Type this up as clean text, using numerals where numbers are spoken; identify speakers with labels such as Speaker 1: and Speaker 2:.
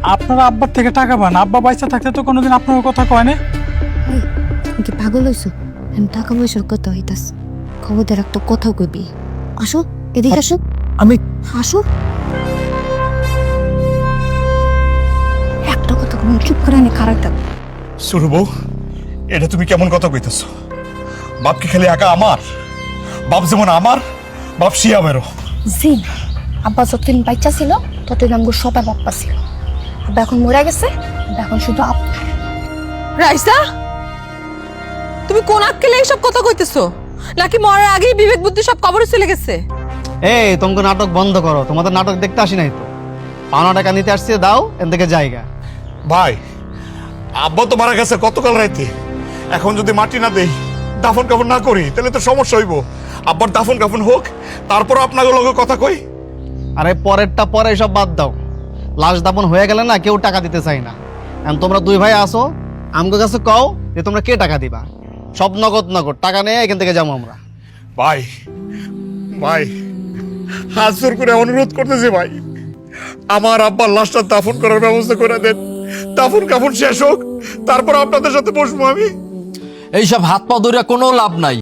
Speaker 1: আপনারা আব্বার থেকে টাকা পান, আব্বা পয়সা থাকতে তো কোনোদিন আপনার কথা কয় না।
Speaker 2: তুমি কি পাগল হইছো? আমি টাকা পয়সার কথা হইতাস, খবরদার একটা কথাও কইবি। আসো এদিকে আসো,
Speaker 1: আমি
Speaker 2: আসো। একটা কথা কম, চুপ করে আমি খারাপ থাক।
Speaker 3: সুরু বউ, এটা তুমি কেমন কথা কইতেছ? বাপ কি খালি একা আমার? বাপ যেমন আমার, বাপ শিয়ামেরও।
Speaker 2: জি, আব্বা যতদিন বাচ্চা ছিল ততদিন আমগো সবাই বাপ্পা ছিল। আব্বা এখন মরে গেছে, আব্বা এখন শুধু
Speaker 4: রাইসা, তুমি কোন আক্কেলে এইসব কথা কইতেছো? নাকি মরার আগেই বিবেক বুদ্ধি সব কবরে চলে গেছে?
Speaker 5: এই তোমাকে নাটক বন্ধ করো, তোমাদের নাটক দেখতে আসি নাই তো। পাওনা টাকা নিতে আসছে, দাও এন থেকে জায়গা।
Speaker 3: ভাই, আব্বা তো মারা গেছে গতকাল রাইতে। এখন যদি মাটি না দেই, দাফন কাফন না করি, তাহলে তো সমস্যা হইব। আব্বার দাফন কাফন হোক, তারপর আপনার লগে কথা কই।
Speaker 5: আরে পরেরটা পরে, সব বাদ দাও। লাশ দাপন হয়ে গেলে না কেউ টাকা দিতে চাই না। এখন তোমরা দুই ভাই আসো, আমগো কাছে কও যে তোমরা কে টাকা দিবা। সব নগদ নগদ টাকা নিয়ে এখান থেকে যাবো আমরা।
Speaker 3: ভাই, ভাই, হাত জোর করে অনুরোধ করতেছি ভাই, আমার আব্বার লাশটা দাফন করার ব্যবস্থা করে দেন। দাফন কাফন শেষ হোক, তারপর আপনাদের সাথে বসবো আমি।
Speaker 6: এইসব হাত পা ধরে কোনো লাভ নাই।